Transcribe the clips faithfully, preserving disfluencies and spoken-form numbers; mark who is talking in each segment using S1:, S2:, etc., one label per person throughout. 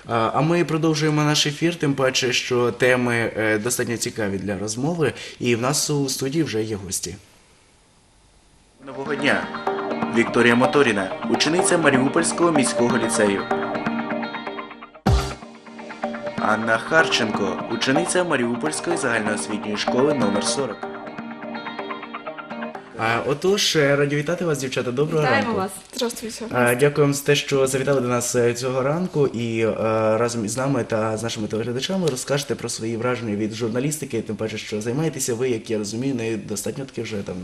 S1: А а ми продовжуємо наш ефір, тим паче, що теми е, достатньо цікаві для розмови, і в нас у студії вже є гості. Нового дня! Вікторія Моторіна, учениця Маріупольського міського ліцею. Анна Харченко, учениця Маріупольської загальноосвітньої школи номер сорок. А, Отож, раді вітати вас, дівчата. Доброго
S2: Вітаємо
S1: ранку.
S2: вас.
S3: Здравствуйте.
S1: А, Дякую вам за те, що завітали до нас е, цього ранку і е, разом із нами та з нашими телеглядачами розкажете про свої враження від журналістики, тим паче, що займаєтеся ви, як я розумію, нею достатньо таки вже давно.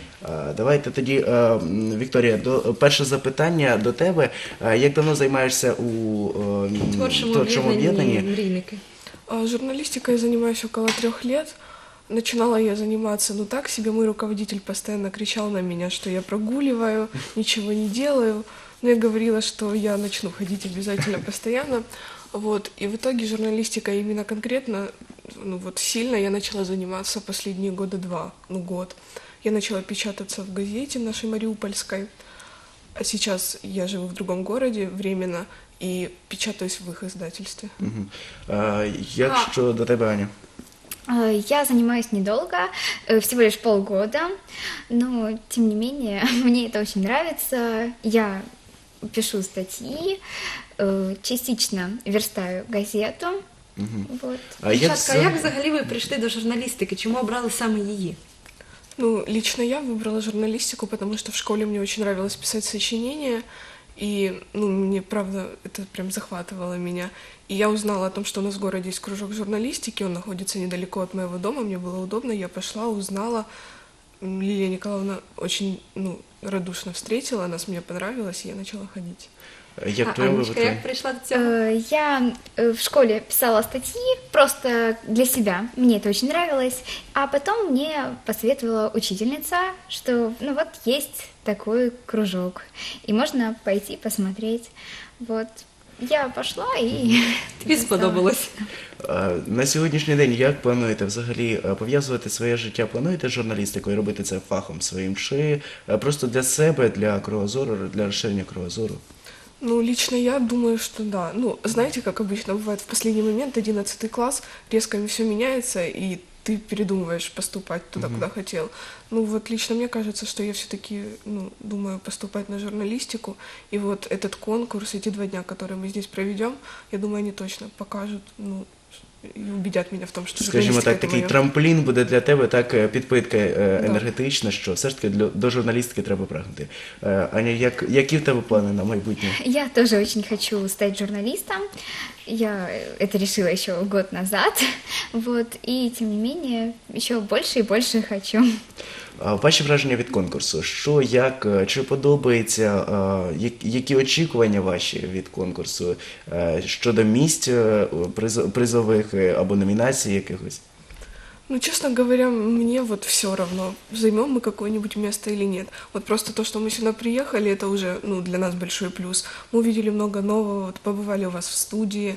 S1: Е, Давайте тоді, е, м, Вікторія, до, перше запитання до тебе. Е, Як давно займаєшся у е, м,
S2: Творчому
S1: творчому
S2: об'єднанні
S1: об'єднанні?
S2: «Мрійники».
S3: А, Журналистикой я занимаюсь около трех лет. Начинала я заниматься, ну так себе, мой руководитель постоянно кричал на меня, что я прогуливаю, ничего не делаю. Но я говорила, что я начну ходить обязательно постоянно. Вот. И в итоге журналистикой именно конкретно, ну вот сильно я начала заниматься последние года два, ну год. Я начала печататься в газете нашей Мариупольской. А сейчас я живу в другом городе временно и печатаюсь в их издательстве.
S1: Мгм. Е, Як що до тебе, Аня?
S4: Э, Я занимаюсь недолго, э, всего лишь полгода, но тем не менее мне это очень нравится. Я пишу статьи, э, частично верстаю газету. Вот.
S1: А як
S2: Дівчатка,
S1: за-
S2: як взагалі ви прийшли до журналістики? Чому обрали саме її?
S3: Ну, лично я выбрала журналистику, потому что в школе мне очень нравилось писать сочинения, и, ну, мне, правда, это прям захватывало меня. И я узнала о том, что у нас в городе есть кружок журналистики, он находится недалеко от моего дома, мне было удобно, я пошла, узнала. М, Лилия Николаевна очень, ну, радушно встретила нас, мне понравилось, и я начала ходить.
S1: Як
S2: А
S1: твоє
S2: Анечка,
S1: вибрати?
S2: як прийшла до цього?
S4: Э, Я э, в школе писала статьи просто для себя, мне это очень нравилось, а потом мне посоветовала учительница, что ну вот есть такой кружок, и можно пойти посмотреть. Вот. Я пошла и...
S2: Тобі сподобалось?
S1: Е, На сьогоднішній день як плануєте взагалі е, пов'язувати своє життя? Плануєте з журналістикою, робити це фахом своїм? Чи е, просто для себе, для кругозору, для розширення кругозору?
S3: Ну, лично я думаю, что да. Ну, знаете, как обычно бывает, в последний момент, одиннадцатый класс, резко все меняется, и ты передумываешь поступать туда, куда хотел. Ну, вот лично мне кажется, что я все-таки, ну, думаю поступать на журналистику, и вот этот конкурс, эти два дня, которые мы здесь проведем, я думаю, они точно покажут, ну, и убедят меня в том, что
S1: Скажімо
S3: журналистика
S1: так,
S3: это
S1: такий
S3: моё.
S1: трамплін буде для тебе, так, е, підпитка е,
S3: Да.
S1: енергетична, що все ж таки для, до журналістики треба прагнути. Е, Аня, як, які в тебе плани на майбутнє?
S4: Я тоже очень хочу стать журналистом. Я это решила еще год назад. Вот. И тем не менее, еще больше и больше хочу.
S1: А Ваші враження від конкурсу? Що, як, е, чи подобається, е, як- які очікування ваші від конкурсу е, щодо місць е, приз- призових е, або номінацій якихось?
S3: Ну, честно говоря, мне вот все равно, займем мы какое-нибудь место или нет. Вот просто то, что мы сюда приехали, это уже, ну, для нас большой плюс. Мы увидели много нового, вот побывали у вас в студии,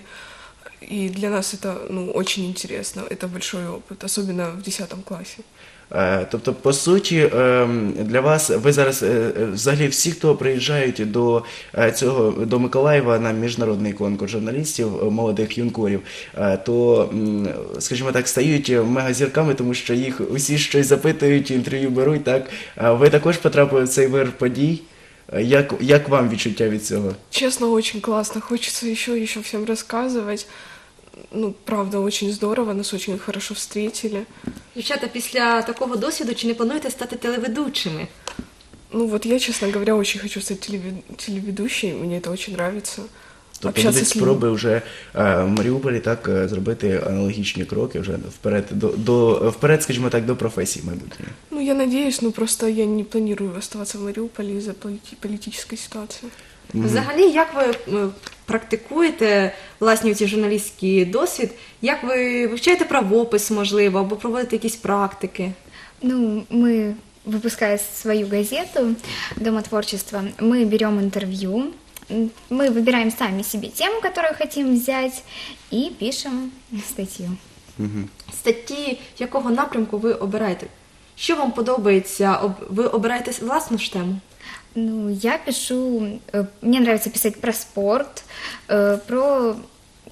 S3: и для нас это, ну, очень интересно, это большой опыт, особенно в десятом классе.
S1: Е, Тобто, по суті, ем, для вас, ви зараз, е, е, взагалі всі, хто приїжджають до е, цього, до Миколаєва на міжнародний конкурс журналістів, е, молодих юнкорів, е, то, м, скажімо так, стають мегазірками, тому що їх усі щось запитують, інтерв'ю беруть, так? Е, Ви також потрапили в цей вир подій. Е, Як, як вам відчуття від цього?
S3: Честно, очень классно, хочется еще, еще всем рассказывать. Ну, правда, очень здорово, нас очень хорошо встретили.
S2: Дівчата, після такого досвіду чи не плануєте стати телеведучими?
S3: Ну, вот я, честно говоря, очень хочу стать телевед- телеведущей, мне это очень нравится.
S1: Тобто
S3: Общаться
S1: будуть
S3: с людьми.
S1: спроби вже е, в Маріуполі так е, зробити аналогічні кроки вже вперед, до, до, вперед, скажімо так, до професії майбутньої.
S3: Ну, я надеюсь, но просто я не планирую оставаться в Мариуполе из-за полити- политической ситуации.
S2: Взагалі, як ви е, практикуєте власні ці журналістський досвід? Як ви вивчаєте правопис, можливо, або проводите якісь практики?
S4: Ну, мы, выпуская свою газету «Дома творчества», мы берем интервью, м, мы выбираем сами себе тему, которую хотим взять, и пишем статью.
S2: Статті якого напрямку ви обираєте? Що вам подобається? Об- Ви обираєте власну ж тему?
S4: Ну, я пишу, э, мне нравится писать про спорт, э, про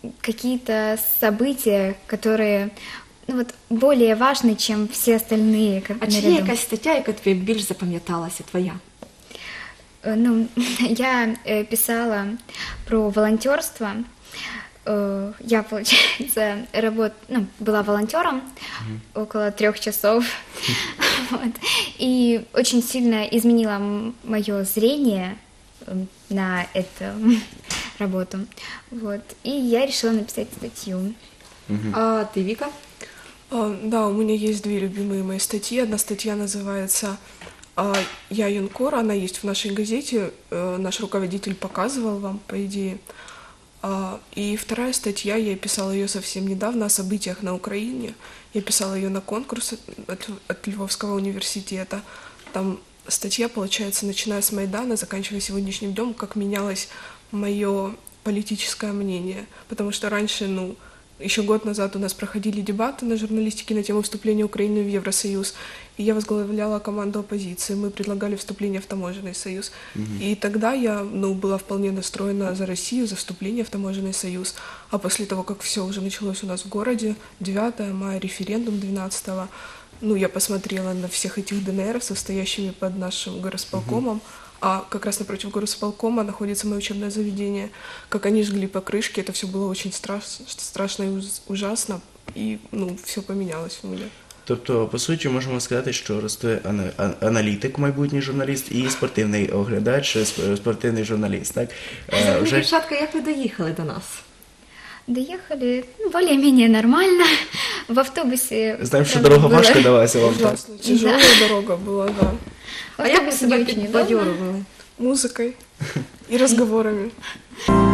S4: какие-то события, которые ну, вот, более важны, чем все остальные. Как
S2: А чи є
S4: наряду.
S2: якась стаття, яка тобі більш запам'яталася, твоя?
S4: Э, Ну, я э, писала про волонтерство. Э, Я, получается, работ... ну, была волонтером около трех часов. Вот. И очень сильно изменила мое зрение э, на эту работу. Вот. И я решила написать статью.
S2: А ти, Віка?
S3: А, Да, у меня есть две любимые мои статьи. Одна статья называется а, «Я юнкор», она есть в нашей газете, э, наш руководитель показывал вам, по идее. А, И вторая статья, я писала ее совсем недавно, о событиях на Украине. Я писала ее на конкурс от, от Львовского университета. Там статья, получается, начиная с Майдана, заканчивая сегодняшним днем, как менялось мое политическое мнение. Потому что раньше, ну, еще год назад у нас проходили дебаты на журналистике на тему вступления Украины в Евросоюз, и я возглавляла команду оппозиции. Мы предлагали вступление в таможенный союз. И тогда я ну, была вполне настроена за Россию, за вступление в таможенный союз. А после того, как все уже началось у нас в городе, девятое мая, референдум двенадцатого, ну, я посмотрела на всех этих ДНРов, состоящими под нашим горосполкомом, а как раз напротив горосполкома находится мое учебное заведение. Как они жгли покрышки, это все было очень страш- страшно и уз- ужасно, и ну, все поменялось у меня.
S1: Тобто, по суті, можемо сказати, що росте ана- а- аналітик, майбутній журналіст, і спортивний оглядач, сп- спортивний журналіст. Так? Е,
S2: Взагалі,
S1: вже
S2: дівчатка, як ви доїхали до нас?
S4: Доехали ну, более-менее нормально. В автобусе...
S1: знаємо, що
S4: правда,
S1: дорога
S4: было-
S1: важко далася вам. Так?
S3: Ужасно. Тяжелая дорога была, да.
S4: в
S2: А як ви
S4: автобусе
S2: себе
S4: не очень удобно.
S2: підбадьорували?
S3: Музыкой и разговорами.